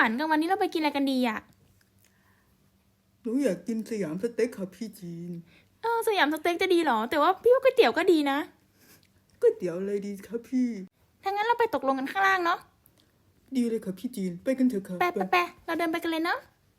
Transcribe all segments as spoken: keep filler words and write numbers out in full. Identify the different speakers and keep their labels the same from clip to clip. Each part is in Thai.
Speaker 1: วันกลางวันนี้เราไปกินอะไรกันดีอ่ะ
Speaker 2: หนูอยากกินสยามสเต็กค่ะพี่จีน
Speaker 1: เออสยามสเต็กจะดีเหรอแต่ว่าพี่ว่าก๋วยเตี๋ยวก็ดีนะ
Speaker 2: ก๋วยเตี๋ยวอะไรดีครับพี่
Speaker 1: ถ้างั้นเราไปตกลงกันข้างล่างเนาะ
Speaker 2: ดีเลยค่ะพี่จีนไปกันเถอะค่ะ
Speaker 1: ไปไปไปเราเดินไปกันเลยเนาะ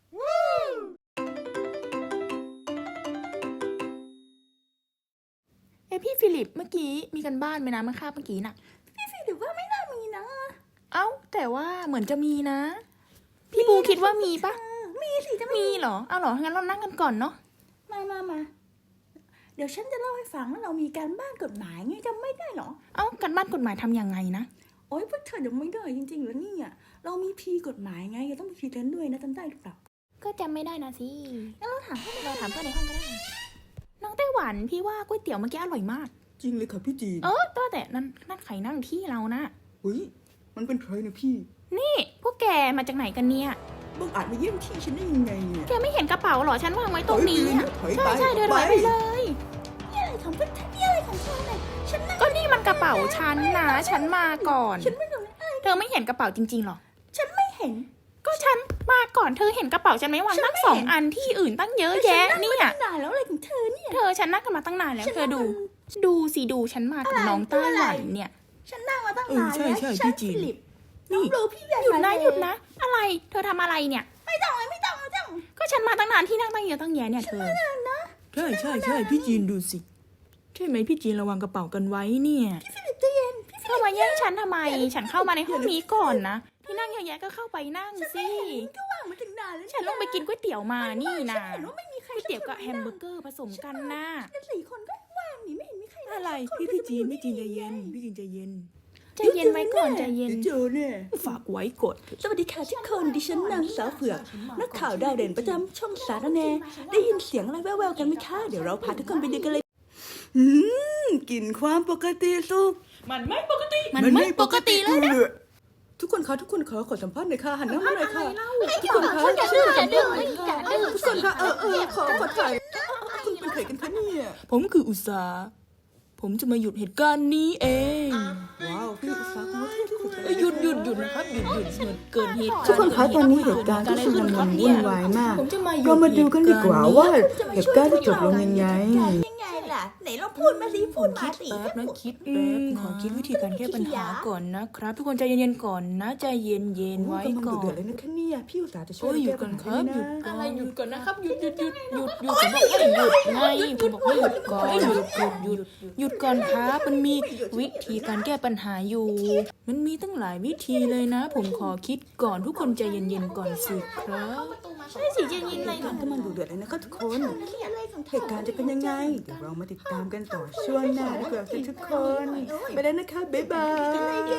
Speaker 1: เอ้พี่ฟิลิปเมื่อกี้มีกันบ้านไหมนะเมื่อคาบเมื่อกี้น่ะ
Speaker 3: พี่ฟิลิปว่าไม่น่ามีนะ
Speaker 1: เอ้าแต่ว่าเหมือนจะมีนะพี่บูคิดว่ามีปะ
Speaker 3: มีสิจะ
Speaker 1: มีเหรอเอาเหรองั้นเรานั่งกันก่อนเนาะ
Speaker 3: มามามาเดี๋ยวฉันจะเล่าให้ฟังว่าเรามีการบ้านกฎหมายไงจำไม่ได้หรอ
Speaker 1: เอ้ากันบ้านกฎหมายทำยังไงนะ
Speaker 3: โอ๊ยพวกเธอยังไม่ได้จริงๆแล้วนี่อ่ะเรามีพีกฎหมายไงเราต้องมีพีเทนด้วยนะจำได้หรือเปล่า
Speaker 1: ก็จำไม่ได้นะสิ
Speaker 3: งั้นเราถามเพื่อน
Speaker 1: เราถามเพื่อนในห้องก็ได้น้องไต้หวันพี่ว่าก๋วยเตี๋ยวเมื่อกี้อร่อยมาก
Speaker 2: จริงเลยค่ะพี่จีน
Speaker 1: เออตัวแต่นั่นนั่นใครนั่งที่เรานะ
Speaker 2: เฮ้ยมันเป็นใครนะพี่
Speaker 1: นี่พวกแกมาจากไหนกันเนี่ย
Speaker 2: บังอาจมาเยี่ยมที่ฉันได้ยังไงเนี่ย
Speaker 1: แกไม่เห็นกระเป๋าหรอฉันวางไว้ตรงนี้ใช่ใช่เดินไปเลย
Speaker 3: นี่อะไรของเพื่อนนี่อะไรของเธอเนี่ยฉัน
Speaker 1: ก็นี่มันกระเป๋าฉันนะฉันมาก่อน
Speaker 3: ฉันไม่รู้
Speaker 1: เธอไม่เห็นกระเป๋าจริงๆหรอ
Speaker 3: ฉันไม่เห็น
Speaker 1: ก็ฉันมาก่อนเธอเห็นกระเป๋าฉันไหมวางตั้งสองอันที่อื่นตั้งเยอะแยะนี่อ่ะ
Speaker 3: นานแล้วอะไรของเธอเนี่ย
Speaker 1: เธอฉันนั่งกันมาตั้งนานแล้วเธอดูดูสิดูฉันมากับน้องไต้หวันเนี่ย
Speaker 3: ฉันนั่งมาตั้งนานแล้ว
Speaker 2: ใช่ใช่พี่จีน
Speaker 3: นี่ห
Speaker 1: ยุดนะหยุดนะอะไรเธอทำอะไรเนี่ย
Speaker 3: ไม่ต้องเลยไม่ต้องไม่ต้อง
Speaker 1: ก็ฉันมาตั้งนานที่นั่งตั้งเยอะตั้งแยะเนี่ยเธอ
Speaker 2: ใช่ใช่ใช่พี่จีนดูสิใช่ไหมพี่จีนระวังกระเป๋ากันไว้เนี่ย
Speaker 3: พี่ฟิลิปใจเย็น
Speaker 1: เธอมาแย่งฉันทำไมฉันเข้ามาในห้องนี้ก่อนนะที่นั่งเยอะแยะก็เข้าไปนั่งสิ
Speaker 3: ก็ว่างมาถึงนานแล้ว
Speaker 1: ฉันลงไปกินก๋วยเตี๋ยวมานี่นะ
Speaker 3: เห็นว่าไม่มีใคร
Speaker 1: ก๋วยเตี๋ยวกับแฮมเบอร์เกอร์ผสมกันนะ
Speaker 3: สี่คนก็ว่างนี่ไม่เห็นมีใคร
Speaker 2: อะไรพี่พี่จีนพี่จีนใจเย็นพี่จีนใจเย็น
Speaker 1: ใจเย็นไว้ก่อนใจเย็น
Speaker 2: เจอเนี่ยฝากไว้กด
Speaker 3: สวัสดีค่ะทุกคนดิฉันนางสาวเผือกนักข่าวดาวเด่นประจำช่องสารแนได้ยินเสียงอะไรแว่วๆกันไหมคะเดี๋ยวเราพาทุกคนไปดูกันเลยอืมกลิ่นความปกติสุข
Speaker 1: มันไม่ปกติมันไม่ปกติเลยนะ
Speaker 2: ทุกคนคะทุกคนขอขอสัมภาษณ์หน่อยค่ะหันหน้ามาหน่อยค่ะ
Speaker 3: ทุกคนคะอย่าดื้ออย่าดื้ออย่าดื้อ
Speaker 2: ทุกคนคะเออเออขอขอถ่ายคุณเป็นใครกันคะเนี่ยผมคืออุษาผมจะมาหยุดเหตุการณ์นี้เองว้าวพี่อุษาคุณว่าที่สุด
Speaker 1: หยุดหยุดหยุดนะครับหยุดหยุดเหมือนเกินเหตุ
Speaker 2: ทุกคนคะตอนนี้เหตุการณ์ที่ชุลมุนวุ่นวายมากเรามาดูกันดีกว่าว่าเหตุการณ์จะจบลงยังไง
Speaker 3: ไหนเราพูดมาสิพูดมาสิ
Speaker 1: แป๊บนะคิดแป๊บขอคิดวิธีการแก้ปัญหาก่อนนะครับทุกคนใจเย็นๆก่อนนะใจเย็นๆไว้ก่อน
Speaker 2: เดือดเลยนะแค่นี้พี่อุตส่าห์จะช่วย
Speaker 1: หยุดก่อนครับหยุดอะไรหยุดก่อนนะครับหยุดหยุดหยุดหยุดหยุดผมบอกให้หยุดไงผมบอกให้หยุดก่อนหยุดหยุดหยุดหยุดก่อนครับมันมีวิธีการแก้ปัญหาอยู่มันมีตั้งหลายวิธีเลยนะผมขอคิดก่อนทุกคนใจเย็นๆก่อนสิครับใช่สิใจเย็นๆอะไร
Speaker 2: มันก็มันดูเดือดเลยนะครับทุกคนเหตุการณ์จะเป็นยังไงเดี๋ยวเรามาติดตามกันต่อช่วงหน้าดีกว่าทุกคนไปแล้วนะคะบ๊ายบาย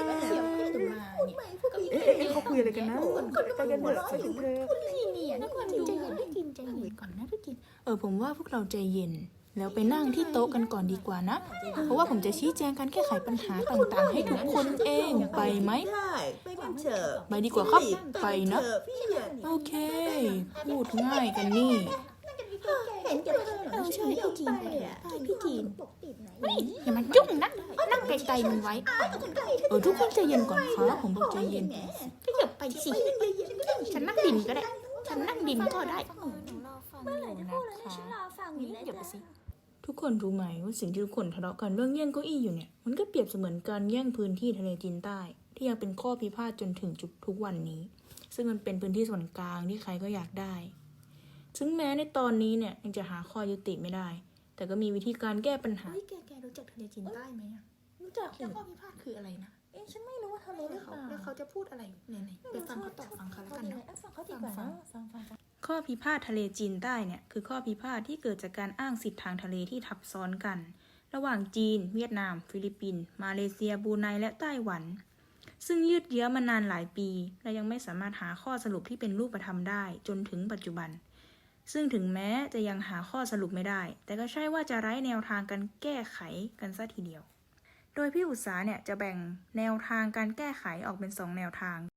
Speaker 2: เอ๊ะเอ๊ะเขาคุยอะไรกันนะไปกันเถอะไปกันเถอะ
Speaker 1: ทุกคนใจเย็นได้กินใจเย็นก่อนนะทุกคนเออผมว่าพวกเราใจเย็นแล้วไปนั่งที่โต๊ะกันก่อนดีกว่านะเพราะว่าผมจะชี้แจงการแก้ไขปัญหาต่างๆให้ทุกคนเองไปไหม
Speaker 3: ไปกันเถอะ
Speaker 1: ไปดีกว่าครับไปนะโอเคพูดง่ายกันนี่
Speaker 3: เห็นกับเออใช่พี่จีนไปเถอะพี่จีน
Speaker 1: นี่อย่ามายุ่งนะนั่งไกลๆมันไว้เออทุกคนใจเย็นก่อนครับผมบอกใจเย็นก็อย่าไปสิฉันนั่งดินก็ได้ฉันนั่งดินก็ได้
Speaker 3: เมื่อไหร่จะพูดแล้วฉันรอฟังอยู่แล้วจ้ะ
Speaker 1: ทุกคนรู้ไหมว่าสิ่งที่ทุกคนทะเลาะกันเรื่องแย่งเก้าอี้อยู่เนี่ยมันก็เปรียบเสมือนการแย่งพื้นที่ทะเลจีนใต้ที่ยังเป็นข้อพิพาทจนถึงจุดทุกวันนี้ซึ่งมันเป็นพื้นที่ส่วนกลางที่ใครก็อยากได้ซึ่งแม้ในตอนนี้เนี่ยยังจะหาข้อยุติไม่ได้แต่ก็มีวิธีการแก้ปัญหาแกแกรู้จักทะเลจีนใต้ไหมอ่ะรู้จักแล้วข้อพิพาทคืออะไรนะ
Speaker 3: เอ๊ะฉันไม่รู้ว่าทะเลหรือเปล่า
Speaker 1: แล้วเขาจะพูดอะไรไหนๆไปฟังเขาตอบฟังเขาแล้วกันเนาะ
Speaker 3: ฟังเขาดีกว่าเนาะฟังฟัง
Speaker 1: ข้อพิพาททะเลจีนใต้เนี่ยคือข้อพิพาทที่เกิดจากการอ้างสิทธิทางทะเลที่ทับซ้อนกันระหว่างจีนเวียดนามฟิลิปปินส์มาเลเซียบรูไนและไต้หวันซึ่งยืดเยื้อมานานหลายปีและยังไม่สามารถหาข้อสรุปที่เป็นรูปธรรมได้จนถึงปัจจุบันซึ่งถึงแม้จะยังหาข้อสรุปไม่ได้แต่ก็ใช่ว่าจะไร้แนวทางการแก้ไขกันซะทีเดียวโดยพี่อุตสาเนี่ยจะแบ่งแนวทางการแก้ไขออกเป็นสองแนวทาง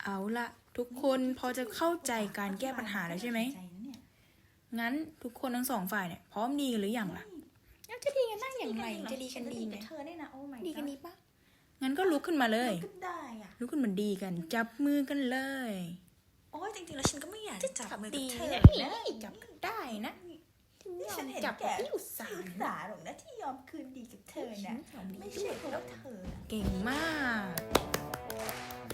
Speaker 1: เอาละทุกคนพอจะเข้าใจการแก้ปัญหาแล้วใช่ไหม งั้นทุกคนทั้งสองฝ่ายเนี่ยพร้อมดีกันหรือยังล่ะจะดีกันได้อย่างไรจะดีกันดีไหม
Speaker 4: เธอเนี่ยนะโอ้ my
Speaker 1: ดีกัน
Speaker 4: god
Speaker 1: ดีปะงั้นก็ลุกขึ้นมาเลย
Speaker 4: ก็ได้อ่ะ
Speaker 1: ลุกขึ้นมาดีกัน จับมือกันเลย
Speaker 4: โอ้ยจริงๆแล้วฉันก็ไม่อยากจะจับมือกับ
Speaker 1: ดี
Speaker 4: เธอ
Speaker 1: นะ
Speaker 4: นะ
Speaker 1: จับกันได้นะ
Speaker 4: ฉันเห็น
Speaker 1: จับ
Speaker 4: แก
Speaker 1: กับพี่อุตสา
Speaker 4: อุ
Speaker 1: ห
Speaker 4: ตสาหรอกนะที่ยอมคืนดีกับเธอนะไม่ใช่เพราะเธอ
Speaker 1: เก่งมาก